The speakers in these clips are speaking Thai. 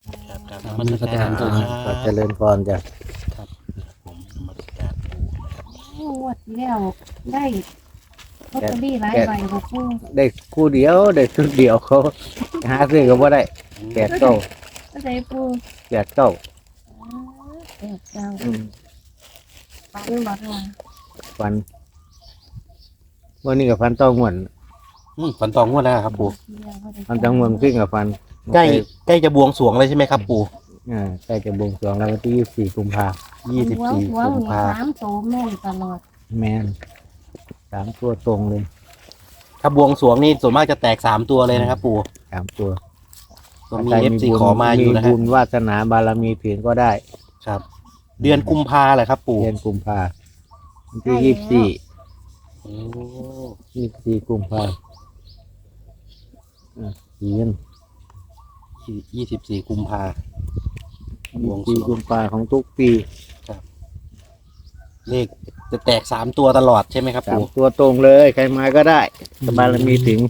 ครับครับครับนมัสการปู่ครัก็เจบริญพรจ้ะครับผมนมัสการปู่นะครับงวดที่แล้วได้ลอตเตอรี่หลายใบบ่ปูได้คู่เดียวได้ชุดเดียวเขาหาซื้อก็บ่ได้แปดเก้าก็ได้ปูแปดเก้าแปดเก้าอืมปันบ่ค่ะฟันวันนี้กับฟันต้องงวนฝันตองงวดแล้วครับปู่ฟันต้องงวนขึ้นกับฟันใกล้จะบวงสรวงเลยใช่ไหมครับปู่ใกล้จะบวงสรวงแล้ววันที่24 กุมภา 24 หัวกุมนี่ภาสามโตแม่นตลอดแมน3 ตัวตรงเลยถ้าบวงสรวงนี่ส่วนมากจะแตก3ตัวเลยนะครับปู่ 3 ตัวก็มีเอฟซีขอมาอยู่นะบุฮะญวาสนาบารมีถึงก็ได้ครับ เดือนกุมภาแหละครับปู่เดือนกุมภาวันที่โอ้ 24 กุมภาเดือน 24 กุมภา บวงสรวง 24 กุมภาของทุกปีเลขจะแตก3ตัวตลอดใช่ไหมครับสามปู่ตัวตรงเลยใครมาก็ได้สบารมีถึง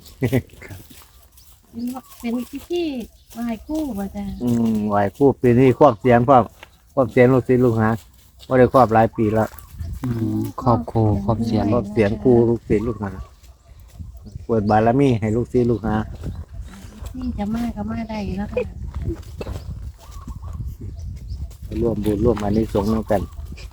เป็นที่มาให้คู่บ่จ้ะไหวคู่ปีนี้ครอบเสียงครอบเสียงลูกศิษย์ลูกหาว่าได้ครอบหลายปีแล้วครอบครูครอบเสียงครอบเสียงครูลูกศิษย์ลูกหาเปิดบารมีให้ลูกศิษย์ลูกหาที่จะมาก็มาได้อยู่แล้วค่ะร่วมบุญร่วมอานิสงส์ร่วมกัน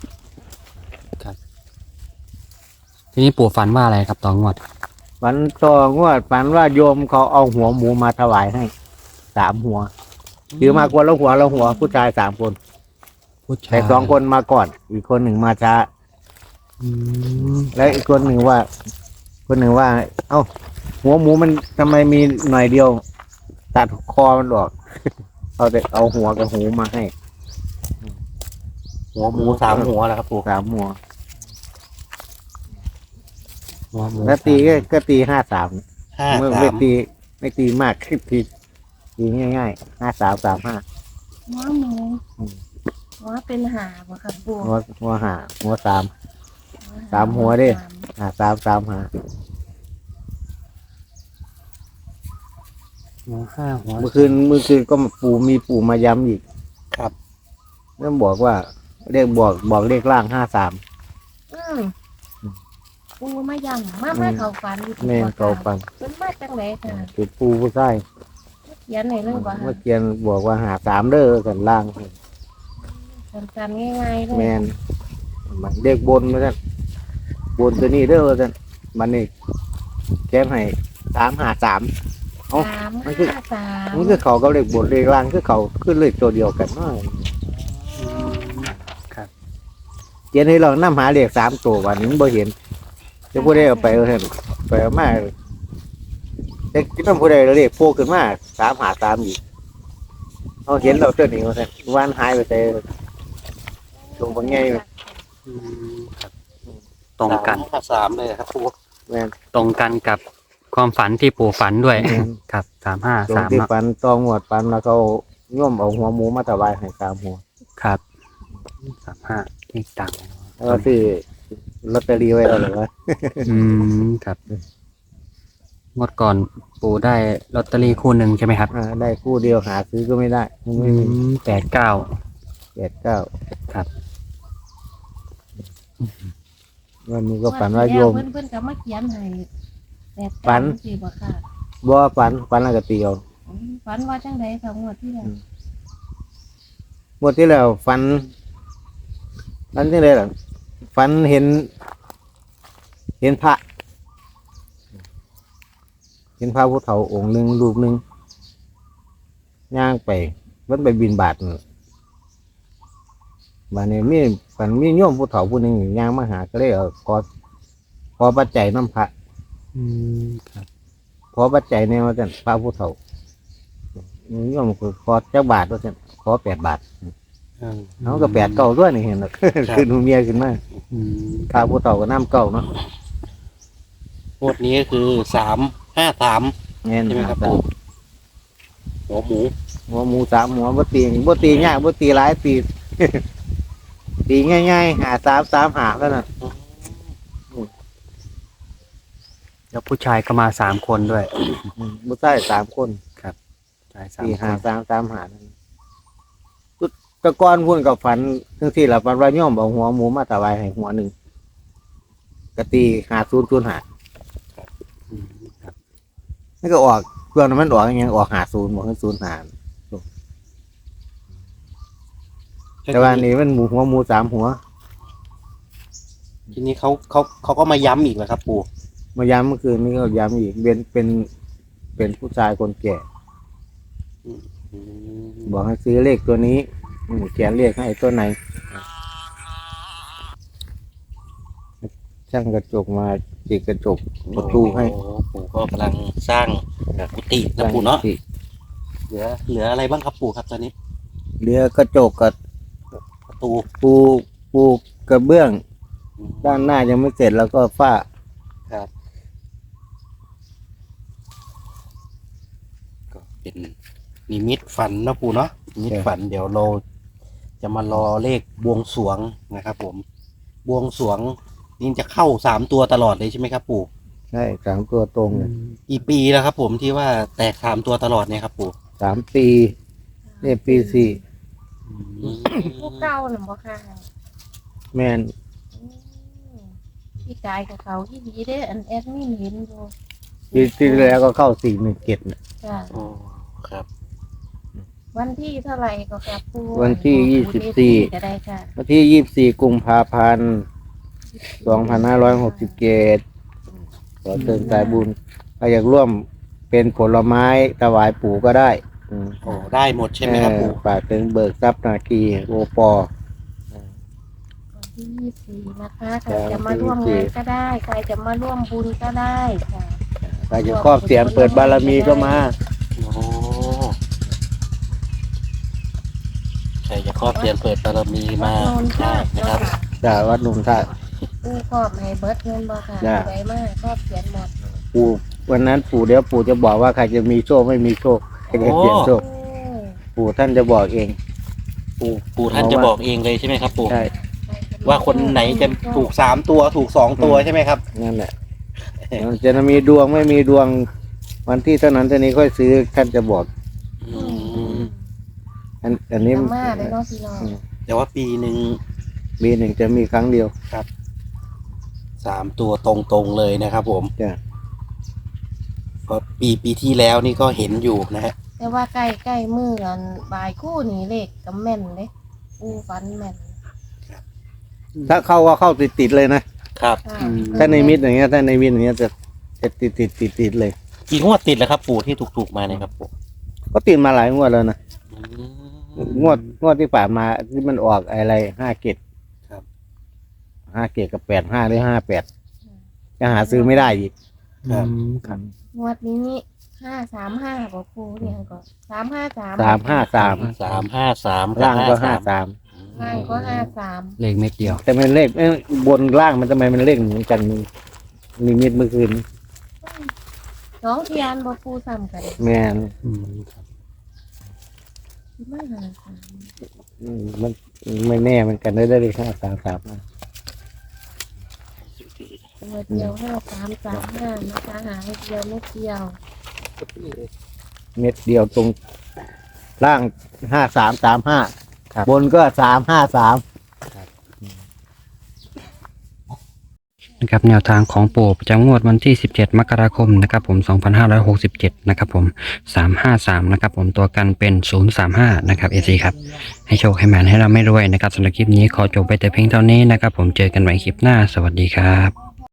ทีนี้ปู่ฝันว่าอะไรครับตองงวดฝันต่องวดฝันว่าโยมเขาเอาหัวหมูมาถวายให้3 หัวถือมากวนละหัวผู้ชาย3 คนผู้ชายแต่2 คนมาก่อน อีกคนหนึ่งมาช้าอืมแล้วอีกคนหนึ่งว่า เอ้าหัวหมูมันทำไมมีหน่อยเดียว ตัดคอมันออก เอาหัวกับหูมาให้หัวหมู3 หัวแหละครับปู่ 3 หัวหัวหมูแล้วตีก็ตี53 5 เมื่อไม่ตีมากตีง่ายๆ5335 หัวหมูอืมหัวเป็นหาบ่ค่ะปูหัวหาหัว3 หัวดิ 5335 หัว5หัวเมื่อคืนก็มีปู่มาย้ำอีกครับแล้วบอกว่าเลขบอกเลขล่าง53 อืมปูมายังมาเข้าฝันอยู่แม่นเขาฟังเป็นมาจังไดค่ะคือปู่ผู้ชายเขียนให้เลยบ่เมื่อค่ะเกียนบอกว่า53เด้อกันล่างสั้นๆง่ายๆเลยแมนมันเด็กบนมาสั่นบนตัวนี้เด้อว่าสั่นมันนี่แก้มให้353 เอ้า 3 มันคือ 5 3 มันคือเขากับเลขบนเลขล่างคือเขาขึ้นเลขตัวเดียวกันเนาะครับเกียนให้เรานำหาเลข3 ตัววันนี้มันบ่เห็นจะผู้ใดเอาไปเอาเถอะไปเอามาแต่คิดว่าผู้ใดเอาเลขโผล่ขึ้นมา353อีกเอาเห็นเราตัวนี้ว่าสั่นวันหายไปแต่ตรงบางไงอืมครับตรงกัน 3เลยครับปู่แม่นตรงกันกับความฝันที่ปู่ฝันด้วยอืมครับตรง 353 ที่เนาะปันตองหวดปันแล้วเขาย่อมเอาหัวหมูมาถวายให้3 หัวครับ35เลขต่างแล้วก็ซื้อลอตเตอรี่ไว้แล้วเหรอวะอืมครับงวดก่อนปู่ได้ลอตเตอรี่คู่หนึ่งใช่ไหมครับได้คู่เดียวหาซื้อก็ไม่ได้มันไม่มี 89 89 ครับวันนี้ก็ฝันว่าโยมเพิ่นก็มาเขียนให้แต่ฝันสิบ่ค่ะบ่ฝันแล้วก็ตีเอาฝันว่าจังไดค่ะงวดที่แล้วหมดที่แล้วฝันที่เลยล่ะฝันเห็นพระ เห็นพระพุทธเฒ่าองค์หนึ่งรูปหนึ่งย่างไปมันไปบิณฑบาตนั่นบานนี้มีโยมผู้เฒ่าผู้หนึ่งย่างมาหาก็เลยขอปัจจัยน้ำพระอืมครับขอปัจจัยเนี่ยว่าจันพระผู้เฒ่าโยมก็ขอเจ้าบาทว่าจันขอ8 บาทเขาก็8 9ด้วยนี่เห็นหรอกคือหนูเมียขึ้นมาอืมพระผู้เฒ่าก็น้ำเก่าเนาะงวดนี้ก็คือ353 เงี้ยใช่ไหมครับปู่หัวหมูหัวหมู3 หัวบ่ตียากบ่ตีหลายตี ตีง่ายๆ5335แล้วน่ะแล้วผู้ชายก็มา3 คนด้วยบ่ใช่3 คนชายตี 3 คน 5335นั่นตะก้อนพุ่นกับฝันทั้งที่ละฝันว่าโย่อมเอาหัวหมูมาถวายให้หัวหนึ่งกะตี50 หาอืมครับนี่ก็ออกเพื่อนมันออกยังออก50บอกให้0 หาแต่ว่านี่มันหัวหมู3 หัวทีนี้เขาก็มาย้ำอีกแล้วครับ ปู่มาย้ำเมื่อคืนนี้ก็ย้ำอีกเป็นผู้ชายคนแก่อืมบอกให้ซื้อเลขตัวนี้เขียนเลขให้ตัวไหนช่างกระจกมาจิกกระจกประตูให้โอ้ปู่ก็กำลังสร้างกุฏินะปู่เนาะเหลืออะไรบ้างครับปู่ครับตอนนี้เรือกระจกกับประตูปูกระเบื้อง ด้านหน้ายังไม่เสร็จแล้วก็ฝ้าครับก็เป็นนิมิตฝันนะปู่เนาะนิมิตฝันเดี๋ยวเราจะมารอเลขบวงสรวงนะครับผมบวงสรวงนี่จะเข้า3 ตัวตลอดเลยใช่ไหมครับปู่ใช่3 ตัวตรงเลยกี่ปีแล้วครับผมที่ว่าแตก3 ตัวตลอดเนี่ยครับปู่ 3 ปีนี่ปีผู้เก่าน่ะบ่ค่ะ 4แมนพี่กายกับเขาที่ดีเด้อันแอดมินเห็นอยู่ปีที่แล้วก็เข้า417นะจ้ะโอ้ครับวันที่เท่าไหร่ก็ครับปูวันที่ปูเด 24 ก็ได้ค่ะวันที่24 กุมภาพันธ์ 2567ขอเชิญสายบุญใครอยากร่วมเป็นผลไม้ถวายปู่ก็ได้โอ้ได้หมดใช่ไหมครับปู่ฝากถึงเบิกทรัพย์นาคีโอปอวันที่24นะคะใครจ้ะจะมาร่วมวันที่งานก็ได้ ใครจะมาร่วมบุญก็ได้ค่ะใครจะครอบเสียงเปิดบารมีก็มาโอ้ใครจะครอบเทียนเปิดบารมีมาโนนได้ค่ะนะเจ้าครับค่ะจากวัดหนุ่มท่าปูครอบให้เบิดเงินบ่ค่ะจ้ะไว้มากครอบเขียนหมดปู่วันนั้นปู่เดี๋ยวปู่จะบอกว่าใครจะมีโชคไม่มีโชคใครจะเสียงโชคโอ้ปู่ท่านจะบอกเองปู่ท่านจะบอกเองเลยใช่ไหมครับปู่ใช่ว่าคนไหนจะถูก3 ตัวถูก2 ตัวใช่ไหมครับนั่นแหละมันจะมีดวงไม่มีดวง วันที่เท่านั้นเท่านี้ค่อยซื้อท่านจะบอกอืมอันนี้ธรรมะเลยเนาะพี่น้องแต่ว่าปีหนึ่งปีหนึ่งจะมีครั้งเดียว 3 ตัวตรงๆเลยนะครับผมจ้ะเพราะปีที่แล้วนี่ก็เห็นอยู่นะฮะแต่ว่าใกล้มืออันบ่ายคู่นี่เลขก็แม่นเลยปูฟันแม่นถ้าเข้าก็เข้าติดๆเลยนะครับค่ะถ้าในมิตรอย่างเงี้ยถ้าในมิตรอย่างเงี้ยจะติดเลยกี่งวดติดแล้วครับปู่ที่ถูกๆมาเนี่ยครับปู่ก็ติดมาหลายงวดแล้วนะอืมงวดที่ผ่านมาที่มันออกอะไร5 เกตครับ 5 เกตกับ85หรือ58จะหาซื้อไม่ได้อีกครับครับงวดนี้นี่535บ่ปูเนี่ยก็353 353 353 ล่างก็ล่างก็53 เลขเม็ดเดียว 53แต่มันเลขบนล่างมันทำไมมันเลขเหมือนกันนิมิตเมื่อคืนน้องเทียนบ่ปูซ้ำกันแม่นอืมครับมาหามันไม่แน่เหมือนกันได้เลข533นะตัวเดียว5335นะคะหาให้เดียวไม่เดียวเม็ดเดียวตรงล่าง5335บนก็353 นะครับแนวทางของปู่ประจำงวดวันที่ 17 มกราคมนะครับผม 2567 นะครับผม 353 นะครับผมตัวกันเป็น 035 นะครับ AC ครับ ให้โชคให้แมนให้เราไม่รวยนะครับสำหรับคลิปนี้ขอจบไปแต่เพียงเท่านี้นะครับผมเจอกันใหม่คลิปหน้าสวัสดีครับ